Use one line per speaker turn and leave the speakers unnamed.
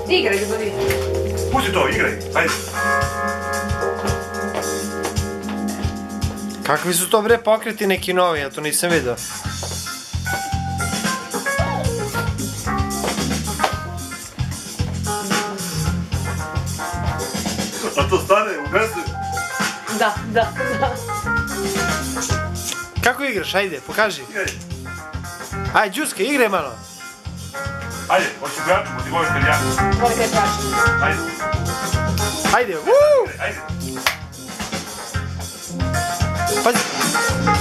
Igraj, ljubavi.
Pusti to, igraj, ajde.
Kakvi su to bre pokreti neki novi, ja to nisam vidio.
A to stane u mesu?
Da.
Kako igraš, ajde, pokaži.
Igraj.
Ajde, Đuska, igraj malo.
Ajde, hoću braču, ti voliš kad ja.
Voli kaj praši.
Ajde.
Ajde, wuuu!
Ajde.
Pazi.